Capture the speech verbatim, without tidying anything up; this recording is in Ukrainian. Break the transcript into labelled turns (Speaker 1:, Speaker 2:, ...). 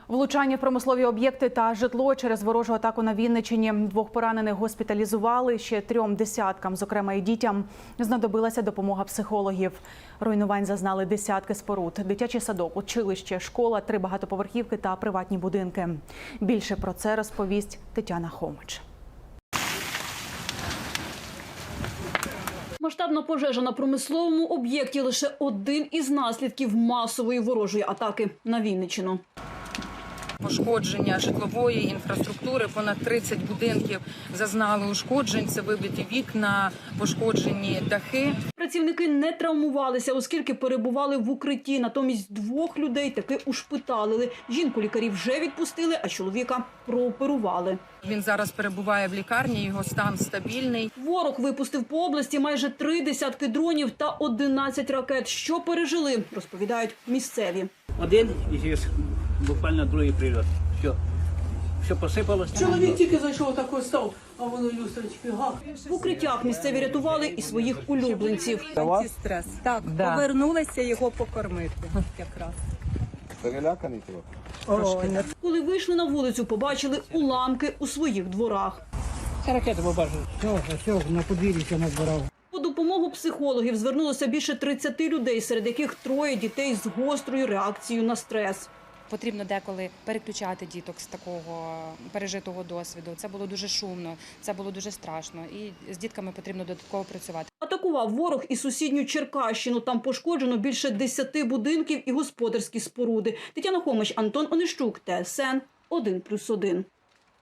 Speaker 1: Влучання в промислові об'єкти та житло через ворожу атаку на Вінниччині. Двох поранених госпіталізували, ще трьом десяткам, зокрема і дітям, знадобилася допомога психологів. Руйнувань зазнали десятки споруд. Дитячий садок, училище, школа, три багатоповерхівки та приватні будинки. Більше про це розповість Тетяна Хомич.
Speaker 2: Масштабна пожежа на промисловому об'єкті – лише один із наслідків масової ворожої атаки на Вінниччину.
Speaker 3: Пошкодження житлової інфраструктури, понад тридцять будинків зазнали ушкоджень, це вибиті вікна, пошкоджені дахи.
Speaker 2: Працівники не травмувалися, оскільки перебували в укритті. Натомість двох людей таки ушпиталили. Жінку лікарі вже відпустили, а чоловіка прооперували.
Speaker 3: Він зараз перебуває в лікарні, його стан стабільний.
Speaker 2: Ворог випустив по області майже три десятки дронів та одинадцять ракет. Що пережили, розповідають місцеві.
Speaker 4: Один і буквально другий прильот. Все, все посипалось.
Speaker 5: Чоловік тільки зайшов, такий став, а воно люстрочки гах.
Speaker 2: В укриттях місцеві рятували і своїх улюбленців.
Speaker 6: Антистрес. Так, да. Повернулися його покормити якраз.
Speaker 7: Переляканий трохи?
Speaker 2: Коли вийшли на вулицю, побачили уламки у своїх дворах.
Speaker 4: Це ракети побачили.
Speaker 5: Все, все, на подвір'ї все назбирав.
Speaker 2: По допомогу психологів звернулося більше тридцяти людей, серед яких троє дітей з гострою реакцією на стрес.
Speaker 8: Потрібно деколи переключати діток з такого пережитого досвіду. Це було дуже шумно, це було дуже страшно. І з дітками потрібно додатково працювати.
Speaker 2: Атакував ворог і сусідню Черкащину. Там пошкоджено більше десяти будинків і господарські споруди. Тетяна Хомич, Антон Онищук, Т С Н один плюс один.